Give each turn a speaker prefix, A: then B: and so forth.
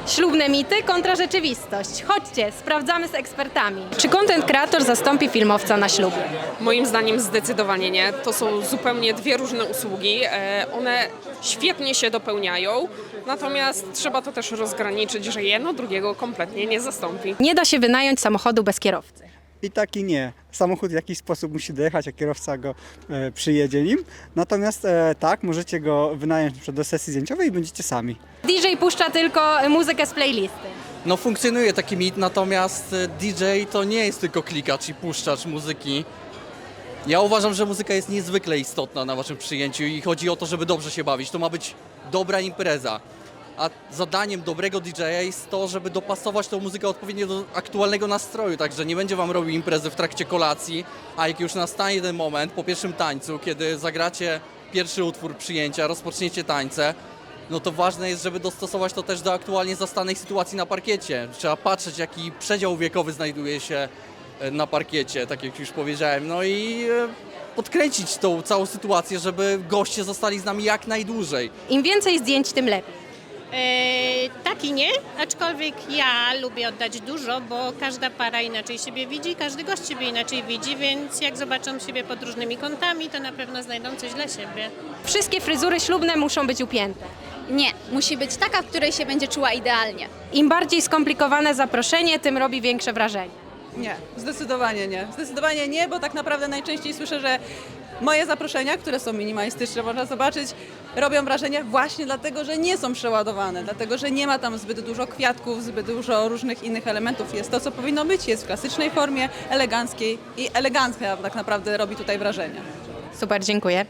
A: Ślubne mity kontra rzeczywistość. Chodźcie, sprawdzamy z ekspertami. Czy content creator zastąpi filmowca na ślubie?
B: Moim zdaniem zdecydowanie nie. To są zupełnie dwie różne usługi. One świetnie się dopełniają, natomiast trzeba to też rozgraniczyć, że jedno drugiego kompletnie nie zastąpi.
A: Nie da się wynająć samochodu bez kierowcy.
C: I tak i nie. Samochód w jakiś sposób musi dojechać, a kierowca go przyjedzie nim. Natomiast tak, możecie go wynająć do sesji zdjęciowej i będziecie sami.
A: DJ puszcza tylko muzykę z playlisty.
D: No funkcjonuje taki mit, natomiast DJ to nie jest tylko klikacz i puszczacz muzyki. Ja uważam, że muzyka jest niezwykle istotna na waszym przyjęciu i chodzi o to, żeby dobrze się bawić. To ma być dobra impreza. A zadaniem dobrego DJ-a jest to, żeby dopasować tą muzykę odpowiednio do aktualnego nastroju, także nie będzie wam robił imprezy w trakcie kolacji, a jak już nastanie ten moment po pierwszym tańcu, kiedy zagracie pierwszy utwór przyjęcia, rozpoczniecie tańce, no to ważne jest, żeby dostosować to też do aktualnie zastanej sytuacji na parkiecie. Trzeba patrzeć, jaki przedział wiekowy znajduje się na parkiecie, tak jak już powiedziałem, no i podkręcić tą całą sytuację, żeby goście zostali z nami jak najdłużej.
A: Im więcej zdjęć, tym lepiej.
E: Tak i nie, aczkolwiek ja lubię oddać dużo, bo każda para inaczej siebie widzi, każdy gość siebie inaczej widzi, więc jak zobaczą siebie pod różnymi kątami, to na pewno znajdą coś dla siebie.
A: Wszystkie fryzury ślubne muszą być upięte.
F: Nie, musi być taka, w której się będzie czuła idealnie.
A: Im bardziej skomplikowane zaproszenie, tym robi większe wrażenie.
G: Nie, zdecydowanie nie. Zdecydowanie nie, bo tak naprawdę najczęściej słyszę, że moje zaproszenia, które są minimalistyczne, można zobaczyć, robią wrażenie właśnie dlatego, że nie są przeładowane, dlatego, że nie ma tam zbyt dużo kwiatków, zbyt dużo różnych innych elementów. Jest to, co powinno być, jest w klasycznej formie, eleganckiej i elegancka tak naprawdę robi tutaj wrażenie.
A: Super, dziękuję.